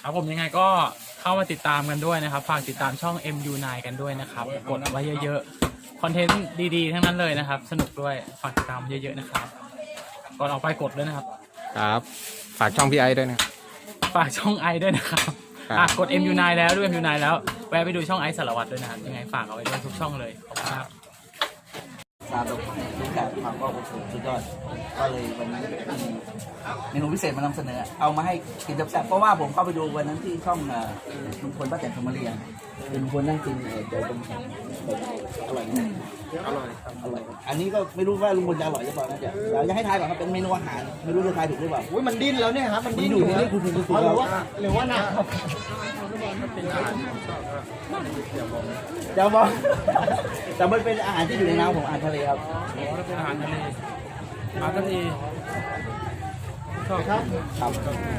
ครับผมยังไงก็เข้ามาติดตามกันด้วยนะครับฝากติดตามช่อง MU9 กันด้วยนะครับกดไว้เยอะๆคอนเทนต์ดีๆทั้งนั้นเลยนะครับสนุกด้วยฝากติดตามเยอะๆนะครับก่อนออกไปกดด้วยนะครับครับฝากช่องพี่ไอ้ด้วยนะฝากช่องไอด้วยนะครับกด MU9 แล้วด้วย MU9 แล้วแวะไปดูช่องไอสารวัตรด้วยนะครับยังไงฝากเอาไว้ด้วยทุกช่องเลยขอบคุณครับตามรูปแบบความก็โอ้โหสุดยอดก็เลยวันนี้มีเมนูพิเศษมานำเสนอเอามาให้กินแซ่บๆเพราะว่าผมเข้าไปดูวันนั้นที่ช่องลุงพลป้าแตนธรรมเรียงลุงพลนั่งกินเดี๋ยวผมอร่อยนะอร่อยครับอร่อยอันนี้ก็ไม่รู้ว่าลุงพลจะอร่อยหรือเปล่านะเดี๋ยวเราจะให้ทายก่อนครับเป็นเมนูอาหารไม่รู้จะทายถูกหรือเปล่าอุ้ยมันดิ้นแล้วเนี่ยครับมันดิ้นอยู่นี่คุณหรือว่าหนักเดี๋ยวบอกแต่มันเป็นอาหารที่อยู่ในน้ำของอาหารทะเลครับเป็นอาหารทะเลอาหารทะเลชอบครับครับ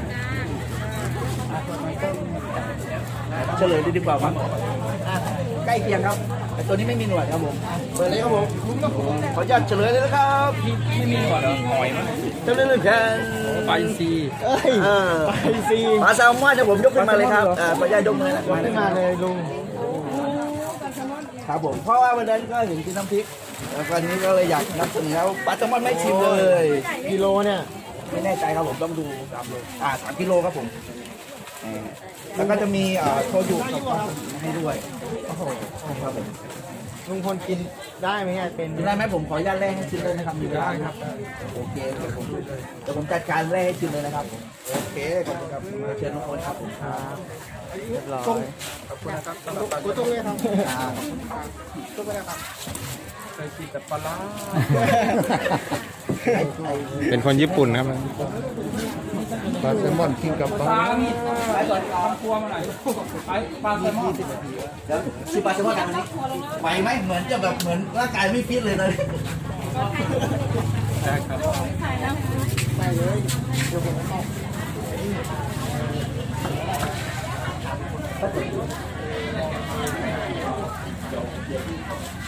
เฉลยดีกว่าครับใกล้เคียงครับแต่ตัวนี้ไม่มีหนวดครับผมเปิดเลยครับผมขออนุญาตเฉลยเลยนะครับไม่มีหนวดเหรอหอยมั้ยเฉลยเลยกันปลาอินทรีเอ้ยปลาอินทรีปลาแซลมอนนะผมยกขึ้นมาเลยครับขออนุญาตยกมือนะมาเลยลุงครับผมเพราะว่าวันนั้นก็เห็นกินน้ำพริกแล้ววันนี้ก็เลยอยากนำเสนอปลาแซลมอนไม่ชิมเลยกิโลเนี่ยไม่แน่ใจครับผมต้องดู3 โล3 กิโลครับผมแล้วก็จะมีโชยุกับให้ด้วยโอ้โหครับผมลุงพลกินได้ไหมเนี่ยเป็นได้ไหมผมขออนุญาตแรกให้ชิมเลยนะครับได้ครับโอเคเดี๋ยวผมจัดการแรกให้ชิมเลยนะครับโอเคขอบคุณครับเชิญทุกคนครับผมครับเรียบร้อยขอบคุณนะครับตัวตรงเลยครับตัวไปนะครับเคยกินแต่ปลาร้าเป็นคนญี่ปุ่นครับปลาแซลมอนกินกับปลาไปก่อนทำครัวมาหน่อยไปปลาแซลมอนแล้วชิมปลาแซลมอนกันวันนี้ไหวไหมเหมือนจะแบบเหมือนร่างกายไม่ฟิตเลยนะได้ครับเ